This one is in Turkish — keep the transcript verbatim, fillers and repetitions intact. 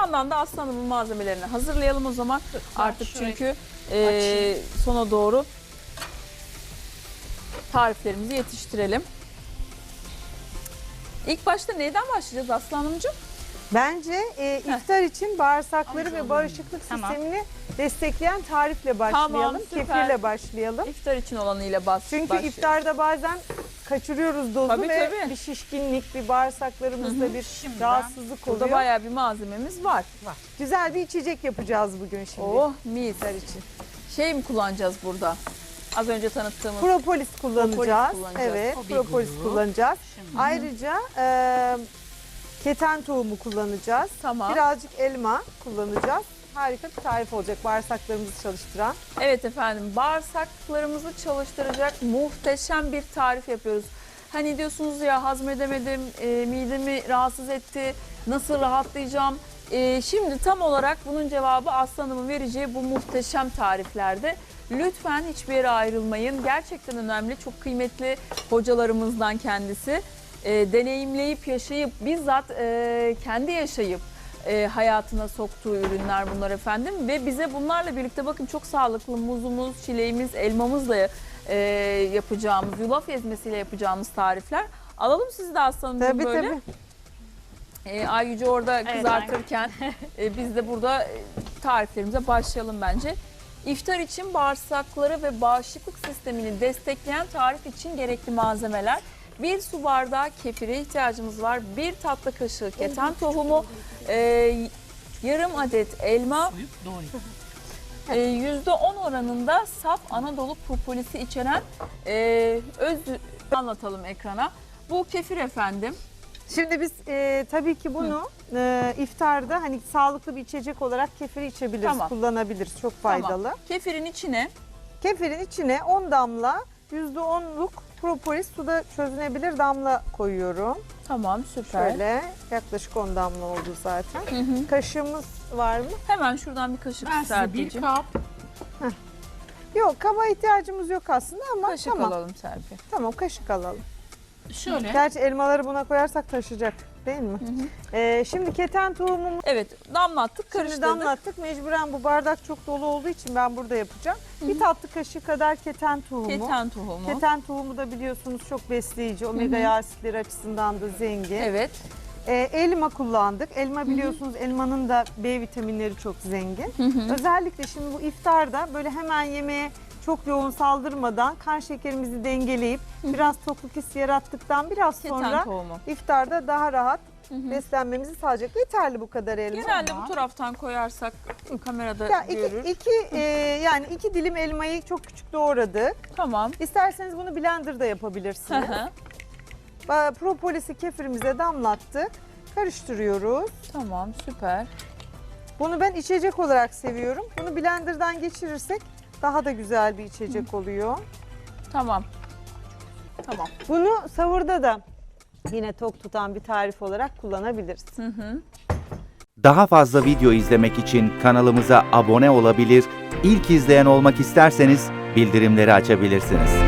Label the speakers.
Speaker 1: yandan da Aslı Hanım'ın malzemelerini hazırlayalım o zaman.
Speaker 2: Ben
Speaker 1: Artık
Speaker 2: şurayı
Speaker 1: çünkü e, sona doğru tariflerimizi yetiştirelim. İlk başta neyden başlayacağız Aslı Hanımcığım?
Speaker 3: Bence e, iftar için bağırsakları
Speaker 2: Tamam.
Speaker 3: ve bağışıklık
Speaker 2: Tamam.
Speaker 3: sistemini destekleyen tarifle başlayalım.
Speaker 1: Tamam, süper.
Speaker 3: Kefirle başlayalım.
Speaker 1: İftar için olanıyla bas.
Speaker 3: Çünkü
Speaker 1: başlayalım.
Speaker 3: iftarda bazen kaçırıyoruz dozu
Speaker 1: Tabii,
Speaker 3: ve
Speaker 1: tabii.
Speaker 3: bir şişkinlik, bir bağırsaklarımızda bir
Speaker 2: Şimdiden
Speaker 3: rahatsızlık
Speaker 1: Burada
Speaker 3: oluyor.
Speaker 1: bayağı bir malzememiz var.
Speaker 3: Güzel bir içecek yapacağız bugün şimdi.
Speaker 1: Oh mis.
Speaker 3: İftar için.
Speaker 1: Şey mi kullanacağız burada? Az önce tanıttığımız.
Speaker 3: Propolis kullanacağız.
Speaker 1: kullanacağız.
Speaker 3: Evet,
Speaker 2: O bir
Speaker 3: propolis
Speaker 2: grup.
Speaker 3: kullanacağız.
Speaker 2: Şimdi.
Speaker 3: Ayrıca e, keten tohumu kullanacağız.
Speaker 1: Tamam.
Speaker 3: Birazcık elma kullanacağız. Harika bir tarif olacak bağırsaklarımızı çalıştıran.
Speaker 1: Evet efendim, bağırsaklarımızı çalıştıracak muhteşem bir tarif yapıyoruz. Hani diyorsunuz ya, hazmedemedim, e, midemi rahatsız etti, nasıl rahatlayacağım? E, şimdi tam olarak bunun cevabı Aslı Hanım'ın vereceği bu muhteşem tariflerde. Lütfen hiçbir yere ayrılmayın. Gerçekten önemli, çok kıymetli hocalarımızdan kendisi. E, deneyimleyip, yaşayıp, bizzat e, kendi yaşayıp e, hayatına soktuğu ürünler bunlar efendim. Ve bize bunlarla birlikte bakın çok sağlıklı muzumuz, çileğimiz, elmamızla e, yapacağımız, yulaf ezmesiyle yapacağımız tarifler. Alalım sizi de Aslı Hanımcığım
Speaker 3: Tabii
Speaker 1: böyle.
Speaker 3: tabii.
Speaker 1: E, Ay Yüce orada
Speaker 2: Evet,
Speaker 1: kızartırken e, biz de burada e, tariflerimize başlayalım bence. İftar için bağırsakları ve bağışıklık sistemini destekleyen tarif için gerekli malzemeler. Bir su bardağı kefire ihtiyacımız var. Bir tatlı kaşığı keten tohumu, e, yarım adet elma,
Speaker 2: Soyup doğrayın.
Speaker 1: e, yüzde on oranında saf Anadolu propolisi içeren e, öz anlatalım ekrana. Bu kefir efendim.
Speaker 3: Şimdi biz e, tabii ki bunu e, iftarda hani sağlıklı bir içecek olarak kefiri içebiliriz,
Speaker 1: Tamam.
Speaker 3: kullanabiliriz. Çok faydalı.
Speaker 1: Tamam. Kefirin içine
Speaker 3: Kefirin içine on damla yüzde onluk propolis suda çözünebilir damla koyuyorum.
Speaker 1: tamam süper.
Speaker 3: Şöyle yaklaşık on damla oldu zaten.
Speaker 1: Hı hı.
Speaker 3: Kaşığımız var mı?
Speaker 1: Hemen şuradan bir kaşık
Speaker 2: Ben size bir
Speaker 1: Serpil'ciğim.
Speaker 2: kap
Speaker 3: Yok, kaba ihtiyacımız yok aslında ama
Speaker 1: Kaşık
Speaker 3: tamam.
Speaker 1: alalım Serpil.
Speaker 3: Tamam, kaşık alalım.
Speaker 2: şöyle
Speaker 3: Gerçi elmaları buna koyarsak taşıyacak değil mi? Ee, şimdi keten tohumumuzu
Speaker 1: Evet, damlattık,
Speaker 3: şimdi
Speaker 1: karıştırdık.
Speaker 3: damlattık. Mecburen bu bardak çok dolu olduğu için ben burada yapacağım. Bir tatlı kaşığı kadar keten tohumu.
Speaker 1: Keten tohumu.
Speaker 3: Keten tohumu da biliyorsunuz çok besleyici, omega yağ asitleri açısından da zengin.
Speaker 1: Evet.
Speaker 3: Ee, elma kullandık. Elma biliyorsunuz elmanın da B vitaminleri çok zengin.
Speaker 1: Hı hı.
Speaker 3: Özellikle şimdi bu iftarda böyle hemen yemeğe çok yoğun saldırmadan kan şekerimizi dengeleyip biraz tokluk hissi yarattıktan biraz
Speaker 1: Keten
Speaker 3: sonra
Speaker 1: tohumu.
Speaker 3: iftarda daha rahat
Speaker 1: Hı hı.
Speaker 3: beslenmemizi sağlayacak. Yeterli bu kadar elma.
Speaker 1: Genelde
Speaker 2: Tamam.
Speaker 1: bu taraftan koyarsak kamerada
Speaker 3: Ya iki,
Speaker 1: görür.
Speaker 3: iki, e, yani iki dilim elmayı çok küçük doğradık.
Speaker 1: Tamam.
Speaker 3: İsterseniz bunu blenderda
Speaker 1: Hı
Speaker 3: yapabilirsiniz.
Speaker 1: hı.
Speaker 3: Ba- Propolis'i kefirimize damlattık. Karıştırıyoruz.
Speaker 1: Tamam, süper.
Speaker 3: Bunu ben içecek olarak seviyorum. Bunu blenderdan geçirirsek daha da güzel bir içecek oluyor.
Speaker 1: Tamam. Tamam.
Speaker 3: Bunu sahurda da yine tok tutan bir tarif olarak kullanabiliriz.
Speaker 1: Hı hı.
Speaker 4: Daha fazla video izlemek için kanalımıza abone olabilir, ilk izleyen olmak isterseniz bildirimleri açabilirsiniz.